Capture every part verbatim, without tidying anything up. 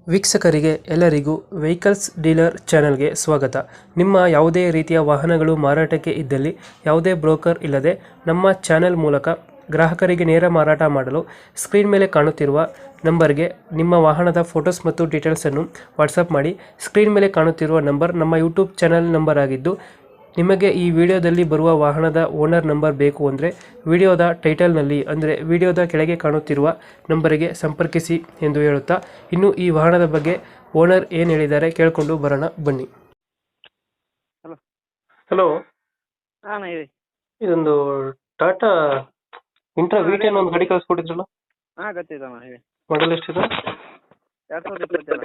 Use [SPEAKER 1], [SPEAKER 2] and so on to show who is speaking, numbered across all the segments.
[SPEAKER 1] ವೀಕ್ಷಕರಿಗೆ ಎಲ್ಲರಿಗೂ vehicles dealer ಚಾನೆಲ್ಗೆ ಸ್ವಾಗತ. ನಿಮ್ಮ ಯಾವುದೇ ರೀತಿಯ ವಾಹನಗಳು ಮಾರಾಟಕ್ಕೆ ಇದ್ದಲ್ಲಿ ಯಾವುದೇ ಬ್ರೋಕರ್ ಇಲ್ಲದೆ ನಮ್ಮ ಚಾನೆಲ್ ಮೂಲಕ ಗ್ರಾಹಕರಿಗೆ ನೇರ ಮಾರಾಟ ಮಾಡಲು ಸ್ಕ್ರೀನ್ ಮೇಲೆ ಕಾಣುತ್ತಿರುವ ನಂಬರ್ಗೆ ನಿಮ್ಮ ವಾಹನದ ಫೋಟೋಸ್ ಮತ್ತು ಡೀಟೇಲ್ಸನ್ನು ವಾಟ್ಸಪ್ ಮಾಡಿ. ಸ್ಕ್ರೀನ್ ಮೇಲೆ ಕಾಣುತ್ತಿರುವ ನಂಬರ್ ನಮ್ಮ ಯೂಟ್ಯೂಬ್ ಚಾನೆಲ್ ನಂಬರ್ ಆಗಿದ್ದು, ನಿಮಗೆ ಈ ವಿಡಿಯೋದಲ್ಲಿ ಬರುವ ವಾಹನದ ಓನರ್ ನಂಬರ್ ಬೇಕು ಅಂದರೆ ವಿಡಿಯೋದ ಟೈಟಲ್ನಲ್ಲಿ ಅಂದರೆ ವಿಡಿಯೋದ ಕೆಳಗೆ ಕಾಣುತ್ತಿರುವ ನಂಬರಿಗೆ ಸಂಪರ್ಕಿಸಿ ಎಂದು ಹೇಳುತ್ತಾ, ಇನ್ನು ಈ ವಾಹನದ ಬಗ್ಗೆ ಓನರ್ ಏನು ಹೇಳಿದ್ದಾರೆ ಕೇಳಿಕೊಂಡು ಬರೋಣ ಬನ್ನಿ.
[SPEAKER 2] ಹಲೋ
[SPEAKER 1] ಹಲೋ,
[SPEAKER 2] ಹಾಂ ಹೇಳಿ.
[SPEAKER 1] ಇದೊಂದು ಟಾಟಾ ಇಂಟ್ರಾ ವಿ ಟೆನ್ ಒಂದು ಗಾಡಿ ಕಳಿಸ್ಕೊಟ್ಟಿದ್ರಲ್ಲ,
[SPEAKER 2] ಹಾಂ ಗೊತ್ತಿದ್ದಣ್ಣ ಹೇಳಿ.
[SPEAKER 1] ಮಾಡಲ್ ಎಷ್ಟಿದೆ?
[SPEAKER 2] ಎರಡು ಸಾವಿರದ ಇಪ್ಪತ್ತೆರಡು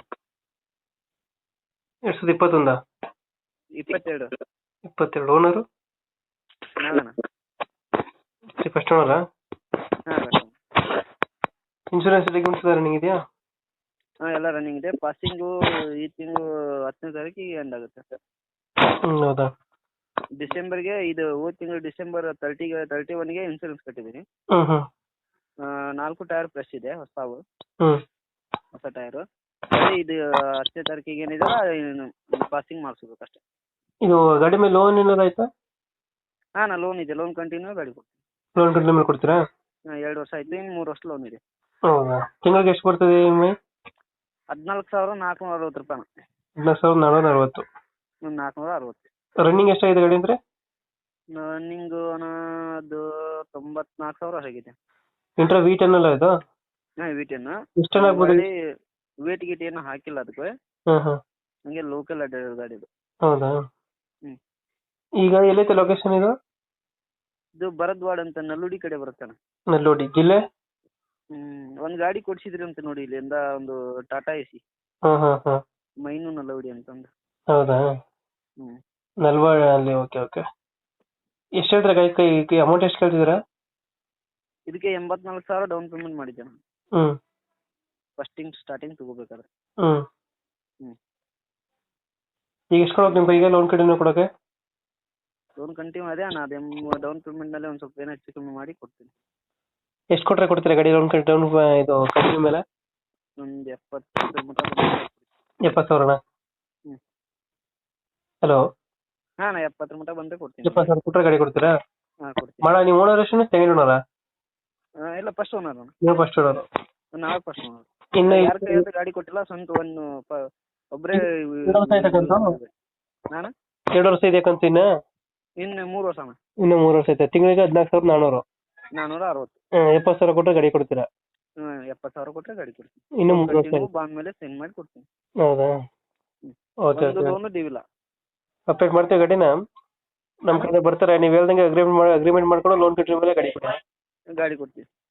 [SPEAKER 1] ಎರಡು ಸಾವಿರದ ಇಪ್ಪತ್ತೊಂದ
[SPEAKER 2] ಇಪ್ಪತ್ತೆರಡು
[SPEAKER 1] ಇಪ್ಪತ್ತೆರಡು ಓನರು
[SPEAKER 2] ನಾವಣ್ಣ.
[SPEAKER 1] ಫಸ್ಟ್ ಓನರಾ?
[SPEAKER 2] ಹಾಂ
[SPEAKER 1] ಇನ್ಶೂರೆನ್ಸ್ ಡಾಕ್ಯುಮೆಂಟ್ಸ್ ರನ್ನಿಂಗ್ ಇದೆಯಾ?
[SPEAKER 2] ಹಾಂ ಎಲ್ಲ ರನ್ನಿಂಗ್ ಇದೆ. ಪಾಸಿಂಗು ಈ ತಿಂಗಳು ಹತ್ತನೇ ತಾರೀಕಿಗೆ ಎಂಡ್ ಆಗುತ್ತೆ ಸರ್.
[SPEAKER 1] ಹ್ಞೂ, ಹೌದಾ?
[SPEAKER 2] ಡಿಸೆಂಬರ್ಗೆ ಇದು ಹೋದ ತಿಂಗಳು ಡಿಸೆಂಬರ್ ತರ್ಟಿಗೆ ತರ್ಟಿ ಒನ್ಗೆ ಇನ್ಶೂರೆನ್ಸ್ ಕಟ್ಟಿದ್ದೀನಿ.
[SPEAKER 1] ಹ್ಞೂ ಹ್ಞೂ
[SPEAKER 2] ನಾಲ್ಕು ಟೈರ್ ಫ್ರೆಶ್ ಇದೆ, ಹೊಸವು
[SPEAKER 1] ಹ್ಞೂ
[SPEAKER 2] ಹೊಸ ಟೈರು. ಅದೇ ಇದು ಹತ್ತನೇ ತಾರೀಕಿಗೆ ಏನಿದೆ ಪಾಸಿಂಗ್ ಮಾಡಿಸ್ಬೇಕು ಅಷ್ಟೇ.
[SPEAKER 1] ಇದು ಗಾಡಿ ಮೇಲೆ ಲೋನ್ ಏನಾದ್ರು ಆಯ್ತಾ?
[SPEAKER 2] ಹಾಂ ನಾ ಲೋನ್ ಇದೆ, ಲೋನ್ ಕಂಟಿನ್ಯೂ ಗಾಡಿ ಕೊಡ್ತೀನಿ.
[SPEAKER 1] ಲೋನ್ ಕಂಟಿನ್ಯೂ ಮೇಲೆ ಕೊಡ್ತೀರಾ?
[SPEAKER 2] ಹಾಂ ಎರಡು ವರ್ಷ ಆಯ್ತು, ಇನ್ನು ಮೂರು ವರ್ಷ ಲೋನ್ ಇದೆ.
[SPEAKER 1] ಹೌದಾ? ತಿಂಗಳಿಗೆ ಎಷ್ಟು ಬರ್ತದೆ ಇ ಎಮ್ ಐ?
[SPEAKER 2] ಹದಿನಾಲ್ಕು ಸಾವಿರ ನಾಲ್ಕುನೂರ ಅರವತ್ತು ರೂಪಾಯಿ.
[SPEAKER 1] ಹದಿನಾಲ್ಕು ಸಾವಿರದ ನಾನ್ನೂರ ಅರವತ್ತು.
[SPEAKER 2] ಒಂದು ನಾಲ್ಕುನೂರ ಅರವತ್ತು.
[SPEAKER 1] ರನ್ನಿಂಗ್ ಎಷ್ಟಾಗಿದೆ ಗಾಡಿ ಅಂದರೆ?
[SPEAKER 2] ರನ್ನಿಂಗು ಅದು ತೊಂಬತ್ನಾಲ್ಕು ಸಾವಿರ ಆಗಿದೆ.
[SPEAKER 1] ಇಂಟ್ರಾ ವಿ ಟೆನ್ ಅಲ್ಲ ಇದು?
[SPEAKER 2] ಹಾಂ ವಿ ಟೆನ್.
[SPEAKER 1] ಎಷ್ಟು ಟನ್ ಆಗ್ಬೋದು?
[SPEAKER 2] ವೇಟ್ ಗೀಟ್ ಏನು ಹಾಕಿಲ್ಲ ಅದಕ್ಕೆ,
[SPEAKER 1] ಹಾಂ ಹಾಂ
[SPEAKER 2] ಹಂಗೆ ಲೋಕಲ್ ಅಡ್ಡಾಡೋ ಗಾಡಿ ಇದು.
[SPEAKER 1] ಹೌದಾ?
[SPEAKER 2] ಹ್ಞೂ.
[SPEAKER 1] ಈಗ ಎಲ್ಲೈತೆ ಲೊಕೇಶನ್ ಇದು?
[SPEAKER 2] ಇದು ಭರದ್ವಾಡ ಅಂತ ನಲ್ಲುಡಿ ಕಡೆ ಬರುತ್ತಾನೆ.
[SPEAKER 1] ನಲ್ಲೋಡಿ ಜಿಲ್ಲೆ?
[SPEAKER 2] ಹ್ಞೂ. ಒಂದು ಗಾಡಿ ಕೊಡಿಸಿದ್ರಿ ಅಂತ ನೋಡಿ, ಇಲ್ಲಿಂದ ಒಂದು ಟಾಟಾ ಎ ಸಿ.
[SPEAKER 1] ಹಾಂ ಹಾಂ ಹಾಂ
[SPEAKER 2] ಮೈನು ನಲ್ಲುಡಿ ಅಂತಂದು.
[SPEAKER 1] ಹೌದಾ?
[SPEAKER 2] ಹ್ಞೂ.
[SPEAKER 1] ನಲ್ವಾಡ ಅಲ್ಲಿ. Okay okay. ಎಷ್ಟು ಹೇಳ್ತಾರೆ ಗಾಡಿ ಕೈ ಅಮೌಂಟ್ ಎಷ್ಟು ಕೇಳ್ತಿದ್ದೀರಾ?
[SPEAKER 2] ಇದಕ್ಕೆ ಎಂಬತ್ನಾಲ್ಕು ಸಾವಿರ ಡೌನ್ ಪೇಮೆಂಟ್ ಮಾಡಿದ್ದೆ ನಾನು,
[SPEAKER 1] ಹ್ಞೂ
[SPEAKER 2] ಫಸ್ಟಿಂಗ್ ಸ್ಟಾರ್ಟಿಂಗ್ ತಗೋಬೇಕಾದ್ರೆ.
[SPEAKER 1] ಹ್ಞೂ
[SPEAKER 2] ಹ್ಞೂ.
[SPEAKER 1] ಈಗ ಎಷ್ಟು ಕೊಡೋಕೆ ನಿಮ್ಮ ಕೈಗೆ ಲೋನ್ ಕಡೆನೂ ಕೊಡೋಕೆ?
[SPEAKER 2] ಲೋನ್ ಕಂಟಿನ್ಯೂ ಅದೇ ಅಣ್ಣ, ಅದು ಎಮ್ ಡೌನ್ ಪೇಮೆಂಟ್ನಲ್ಲಿ ಒಂದು ಸ್ವಲ್ಪ ಏನೋ ಹೆಚ್ಚು ಕಮ್ಮಿ ಮಾಡಿ ಕೊಡ್ತೀನಿ.
[SPEAKER 1] ಎಷ್ಟು ಕೊಟ್ಟರೆ ಕೊಡ್ತೀರಾ ಗಾಡಿ ಲೋನ್ ಕಡೆ ಡೌನ್ ಇದು ಕಂಟಿನ್ಯೂ ಮೇಲೆ?
[SPEAKER 2] ಒಂದು ಎಪ್ಪತ್ತು ಮಟ್ಟ ಬಂದ್ರೆ ಕೊಡ್ತೀನಿ.
[SPEAKER 1] ಎಪ್ಪತ್ತು ಸಾವಿರನಾ?
[SPEAKER 2] ಹ್ಞೂ.
[SPEAKER 1] ಹಲೋ,
[SPEAKER 2] ಹಾಂ ನಾ ಎಪ್ಪತ್ತರ ಮಟ್ಟ ಬಂದರೆ ಕೊಡ್ತೀನಿ.
[SPEAKER 1] ಎಪ್ಪತ್ತು ಸಾವಿರ ಕೊಟ್ಟರೆ ಗಾಡಿ ಕೊಡ್ತೀರಾ?
[SPEAKER 2] ಹಾಂ ಕೊಡ್ತೀನಿ.
[SPEAKER 1] ಮಾಡ ನೀವು ಓನರ್ ಎಷ್ಟು ಸೆಕೆಂಡ್ ಓನರಾ?
[SPEAKER 2] ಹಾಂ ಇಲ್ಲ ಫಸ್ಟ್ ಓನರ್ ಅಣ್ಣ.
[SPEAKER 1] ನೀವು ಫಸ್ಟ್ ಓನರು.
[SPEAKER 2] ನಾವೇ ಫಸ್ಟ್ ಓನರ್.
[SPEAKER 1] ಇನ್ನು
[SPEAKER 2] ಯಾರ ಕೈಯಾದ ಗಾಡಿ ಕೊಟ್ಟಿಲ್ಲ, ಸ್ವಂತ ಒಂದು ಪ ಒಬ್ಬರೇ.
[SPEAKER 1] ಎರಡು ವರ್ಷ ಆಯ್ತಕ್ಕಂತ?
[SPEAKER 2] ನಾನು
[SPEAKER 1] ಎರಡು ವರ್ಷ ಇದೆಯಕ್ಕಂತ ಇನ್ನು?
[SPEAKER 2] ಇನ್ನು ಮೂರು ವರ್ಷ ಅಣ್ಣ.
[SPEAKER 1] ಇನ್ನು ಮೂರು ವರ್ಷ ಐತೆ. ತಿಂಗಳಿಗೆ ಹದಿನಾಲ್ಕು ಸಾವಿರದ ನಾನ್ನೂರು.
[SPEAKER 2] ನಾನ್ನೂರ ಅರವತ್ತು.
[SPEAKER 1] ಹಾಂ, ಎಪ್ಪತ್ತು ಸಾವಿರ ಕೊಟ್ಟರೆ ಗಾಡಿ ಕೊಡ್ತೀರಾ?
[SPEAKER 2] ಹಾಂ ಎಪ್ಪತ್ತು ಸಾವಿರ ಕೊಟ್ಟರೆ ಗಾಡಿ ಕೊಡ್ತೀನಿ.
[SPEAKER 1] ಇನ್ನು ಮೂರು ವರ್ಷ
[SPEAKER 2] ಬಾಂಡ್ ಮೇಲೆ ಸೆಂಡ್ ಮಾಡಿ ಕೊಡ್ತೀನಿ.
[SPEAKER 1] ಹೌದಾ? ಓಕೆ
[SPEAKER 2] ಒಂದು
[SPEAKER 1] ಓಕೆ.
[SPEAKER 2] ಲೋನು ಡ್ಯೂವಿಲ್ಲ.
[SPEAKER 1] ಅಪ್ಡೇಟ್ ಮಾಡ್ತೀವಿ ಗಾಡಿನ. ನಮ್ಮ ಕಡೆ ಬರ್ತಾರೆ, ನೀವು ಹೇಳ್ದಂಗೆ ಅಗ್ರಿಮೆಂಟ್ ಮಾಡಿ ಅಗ್ರಿಮೆಂಟ್ ಮಾಡ್ಕೊಂಡು ಲೋನ್ ಕಟ್ಟಿದ ಮೇಲೆ ಗಾಡಿ ಕೊಡಿ.
[SPEAKER 2] ಗಾಡಿ ಕೊಡ್ತೀವಿ.